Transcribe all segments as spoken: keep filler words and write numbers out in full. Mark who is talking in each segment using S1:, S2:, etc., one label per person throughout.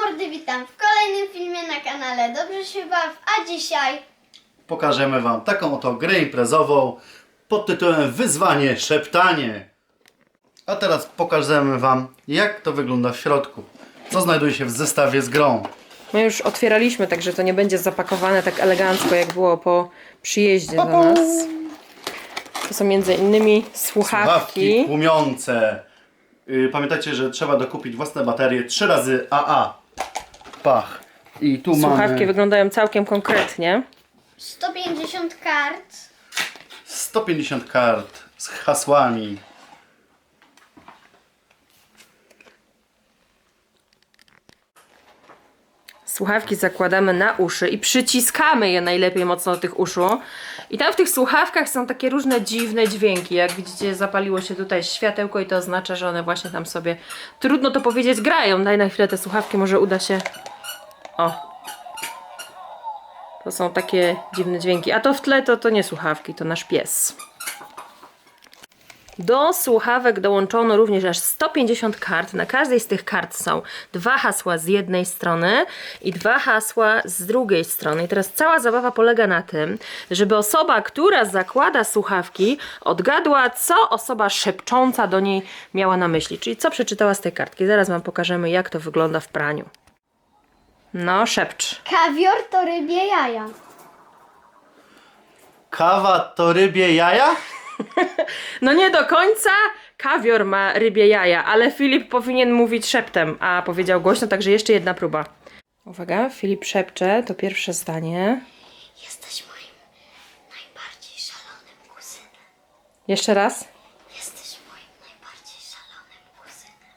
S1: mordy, witam w kolejnym filmie na kanale Dobrze się baw, a dzisiaj
S2: pokażemy Wam taką oto grę imprezową pod tytułem Wyzwanie Szeptanie. A teraz pokażemy Wam, jak to wygląda w środku, co znajduje się w zestawie z grą.
S3: My już otwieraliśmy, także to nie będzie zapakowane tak elegancko, jak było po przyjeździe do nas. To są między innymi słuchawki.
S2: Słuchawki tłumiące. Yy, pamiętajcie, że trzeba dokupić własne baterie trzy razy A A. Pach. I tu
S3: Słuchawki
S2: mamy
S3: wyglądają całkiem konkretnie.
S1: sto pięćdziesiąt kart.
S2: sto pięćdziesiąt kart z hasłami.
S3: Słuchawki zakładamy na uszy i przyciskamy je najlepiej mocno do tych uszu. I tam w tych słuchawkach są takie różne dziwne dźwięki. Jak widzicie, zapaliło się tutaj światełko i to oznacza, że one właśnie tam sobie, trudno to powiedzieć, grają. Daj na chwilę te słuchawki, może uda się... O! To są takie dziwne dźwięki. A to w tle to, to nie słuchawki, to nasz pies. Do słuchawek dołączono również aż sto pięćdziesiąt kart. Na każdej z tych kart są dwa hasła z jednej strony i dwa hasła z drugiej strony. I teraz cała zabawa polega na tym, żeby osoba, która zakłada słuchawki, odgadła, co osoba szepcząca do niej miała na myśli. Czyli co przeczytała z tej kartki. Zaraz Wam pokażemy, jak to wygląda w praniu. No, szepcz.
S1: Kawior to rybie jaja.
S2: Kawa to rybie jaja?
S3: No nie do końca. Kawior ma rybie jaja, ale Filip powinien mówić szeptem, a powiedział głośno, także jeszcze jedna próba. Uwaga, Filip szepcze, to pierwsze zdanie.
S1: Jesteś moim najbardziej szalonym kuzynem.
S3: Jeszcze raz.
S1: Jesteś moim najbardziej szalonym kuzynem.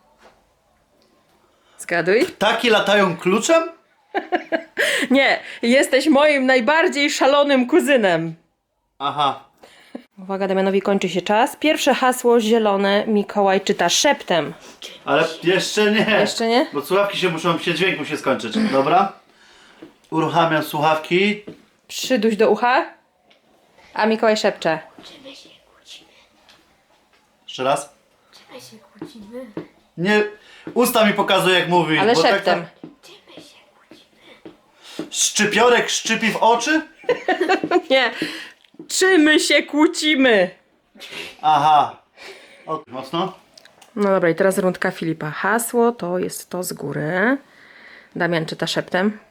S3: Zgaduj.
S2: Ptaki latają kluczem?
S3: Nie, jesteś moim najbardziej szalonym kuzynem.
S2: Aha.
S3: Uwaga, Damianowi kończy się czas. Pierwsze hasło zielone Mikołaj czyta szeptem.
S2: Ale jeszcze nie.
S3: Jeszcze nie?
S2: Bo słuchawki się muszą, się dźwięk musi skończyć. Dobra. Uruchamiam słuchawki.
S3: Przyduś do ucha. A Mikołaj szepcze.
S1: Czy my się kłócimy?
S2: Jeszcze raz.
S1: Czy my się kłócimy?
S2: Nie. Usta mi pokazuje, jak mówi.
S3: Ale
S2: bo tak-
S3: szeptem.
S1: Czy my się kłócimy?
S2: Szczypiorek szczypi w oczy?
S3: Nie. Czy my się kłócimy?
S2: Aha. O, mocno.
S3: No dobra, i teraz rundka Filipa. Hasło to jest to z góry. Damian czyta szeptem.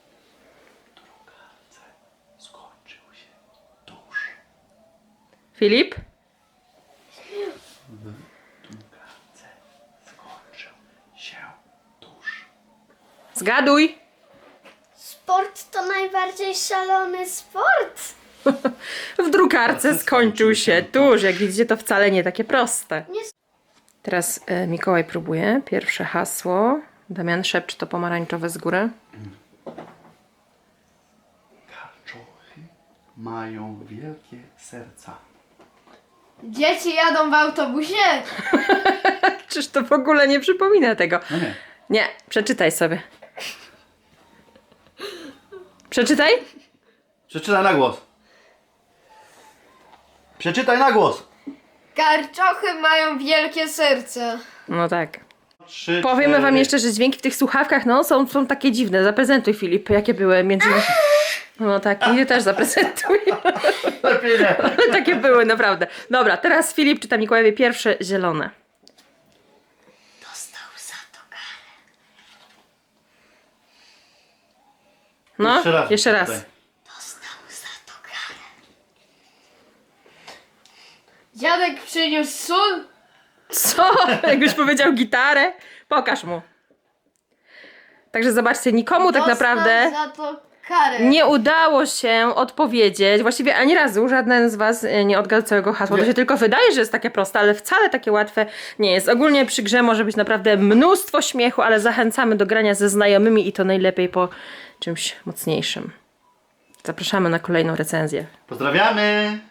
S2: Skończył się tuż.
S3: Filip?
S2: Skończył się tuż.
S3: Zgaduj.
S1: Sport to najbardziej szalony sport.
S3: W drukarce skończył się tuż. Jak widzicie, to wcale nie takie proste.
S1: Nie.
S3: Teraz e, Mikołaj próbuje. Pierwsze hasło. Damian szepcze to pomarańczowe z góry.
S2: Kaczuchy mają wielkie serca.
S1: Dzieci jadą w autobusie.
S3: Czyż to w ogóle nie przypomina tego?
S2: No nie.
S3: Nie, przeczytaj sobie. Przeczytaj?
S2: Przeczytaj na głos. Przeczytaj na głos.
S4: Karczochy mają wielkie serce.
S3: No tak.
S2: Trzy,
S3: Powiemy
S2: cztery.
S3: wam jeszcze, że dźwięki w tych słuchawkach no, są, są takie dziwne. Zaprezentuj, Filip, jakie były między... No tak, i ty też zaprezentuj.
S2: Lepiej nie.
S3: Ale takie były, naprawdę. Dobra, teraz Filip czyta Mikołajowi pierwsze zielone.
S1: Dostał za to karę.
S3: No,
S2: Jeszcze raz.
S3: jeszcze raz.
S2: Tutaj.
S1: Dostał za to karę.
S4: Dziadek przyniósł sól.
S3: Co? Jakbyś powiedział gitarę? Pokaż mu. Także zobaczcie, nikomu tak
S4: Dostał
S3: naprawdę
S4: za to karę.
S3: nie udało się odpowiedzieć. Właściwie ani razu żaden z was e, nie odgadł całego hasła. To
S2: Nie.
S3: się tylko wydaje, że jest takie proste, ale wcale takie łatwe nie jest. Ogólnie przy grze może być naprawdę mnóstwo śmiechu, ale zachęcamy do grania ze znajomymi i to najlepiej po czymś mocniejszym. Zapraszamy na kolejną recenzję.
S2: Pozdrawiamy.